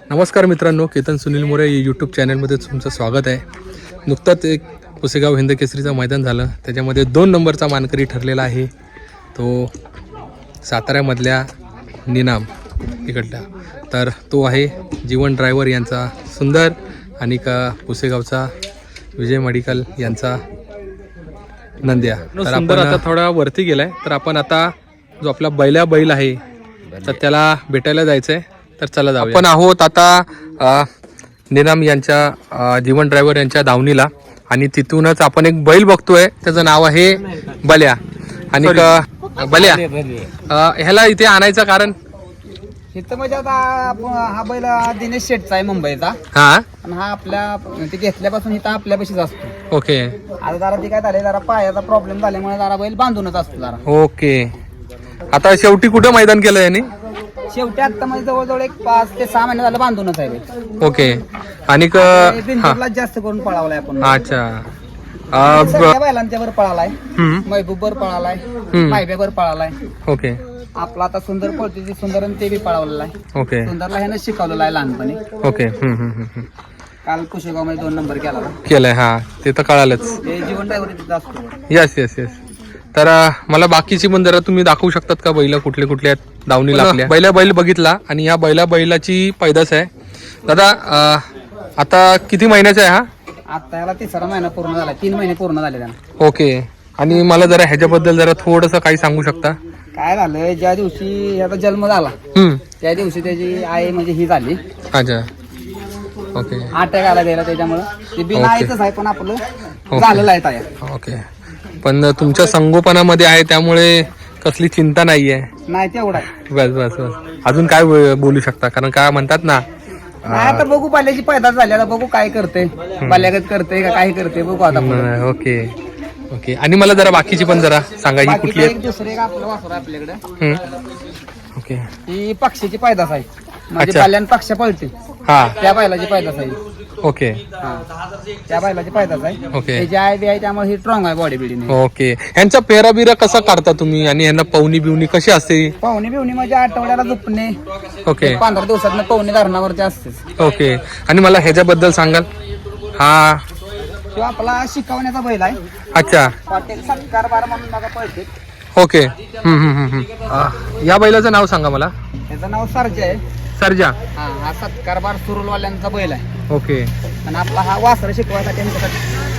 नमस्कार मित्रांनो, केतन सुनील मोरे यूट्यूब चॅनलमध्ये तुमचं स्वागत आहे. नुकताच एक पुसेगाव हिंद केसरीचं मैदान झालं, त्याच्यामध्ये 2 नंबरचा मानकरी ठरलेला आहे. तो साताऱ्यामधल्या निनाम इकडला, तर तो आहे जीवन ड्रायव्हर यांचा सुंदर आणि पुसेगावचा विजय मेडिकल यांचा नंद्या. तर आपण आता थोडा वरती गेलाय, तर आपण आता जो आपला बैल आहे तर त्याला भेटायला जायचं आहे. तर चला जाऊ. आपण आहोत आता निनाम यांच्या जीवन ड्रायव्हर यांच्या धावणीला, आणि तिथूनच आपण एक बैल बघतोय, त्याचं नाव आहे बल्या. आणि बल्या ह्याला इथे आणायचं कारण इथं म्हणजे आता हा बैल दिनेश शेठचा आहे मुंबईचा. हा, आणि हा आपल्या ते घेतल्यापासून इथं आपल्यापाशीच असतो. ओके. आता जरा ते काय झाले, जरा पायाचा प्रॉब्लेम झाल्यामुळे जरा बैल बांधूनच असतो जरा. ओके. आता शेवटी कुठं मैदान केलं यांनी? शेवटी आता म्हणजे जवळजवळ एक 5 ते 6 महिने झालं बांधूनच आहे बैल. ओके. आणि बिंदूरला जास्त करून पळावलाय आपण. अच्छा. सगळ्या बैलांच्या वर पळालाय, महबूबवर पळालाय, मायब्यावर पळालाय. ओके. आपला आता सुंदर पळते, सुंदर आणि ते बी पळावलेला आहे. ओके. सुंदरला ह्यानं शिकवलेला आहे लहानपणी. ओके. काल कुशेगाव मध्ये 2 नंबर केलाय. हा, ते तर कळालंच. ते जीवन ड्रायव्हर तिथं असतो. Yes yes yes. तर मला बाकीची पण जरा तुम्ही दाखवू शकतात का, बैल कुठले कुठले आहेत दावणीला आपल्या? बैल बघितला, आणि या बैलाची पैदास आहे. दादा आता किती महिन्याचा आहे हा? आता याला 3रा महिना पूर्ण झाला, 3 महिने पूर्ण झाले त्यांना. ओके. आणि मला जरा ह्याच्याबद्दल जरा थोडंसं काही सांगू शकता? काय झालं, ज्या दिवशी याचा जन्म झाला त्या दिवशी त्याची आई म्हणजे ही झाली. अच्छा. ओके. अटॅक आला गेला, त्याच्यामुळं ते बिना आईच आहे, पण आपलं झालेलं आहे तयार. ओके. पण तुमच्या संगोपनामध्ये आहे, त्यामुळे कसली चिंता नाहीये. नाही तेवढा आहे. बस बस बस. अजून काय बोलू शकता? कारण काय म्हणतात ना, नाही आता बघू, पाल्याची पैदास झाली, आता बघू काय करते, पाल्यागत करते का काय करते, बघू आता. Okay okay. आणि मला जरा बाकीची पण जरा सांगा, ही कुठली आहे? दुसरे एक आपलं वासर आहे आपल्याकडे. ओके. ही पक्षीची पैदास आहे, म्हणजे पाल्यान पक्ष पळते, हा, त्या बैलाची पैदास आहे. ओके. त्या बैलाची पैदास आहे. ओके. त्याची आई बी आहे, त्यामुळे ही स्ट्रॉंग आहे बॉडी बिल्डिंग. ओके. ह्यांचा पेरा बिरा कसा काढता तुम्ही, आणि ह्यांना पवनी बिवणी कशी असते? पाहुणी बिवणी म्हणजे आठवड्याला झोपणे. ओके. 15 दिवसात पवनी धरणावरती असतेच. ओके. आणि मला ह्याच्याबद्दल सांगाल? हा, तो आपला शिकवण्याचा बैल आहे. अच्छा. हॉटेल सत्कार बार म्हणून बघा पळते. ओके. या बैलाचं नाव सांगा मला. त्याचं नाव सर्जा आहे. सर्जा. हा सत्कार बार सुरुलवाल्यांचा बैल आहे. ओके. आणि आपला हा वासर शिकवायसाठी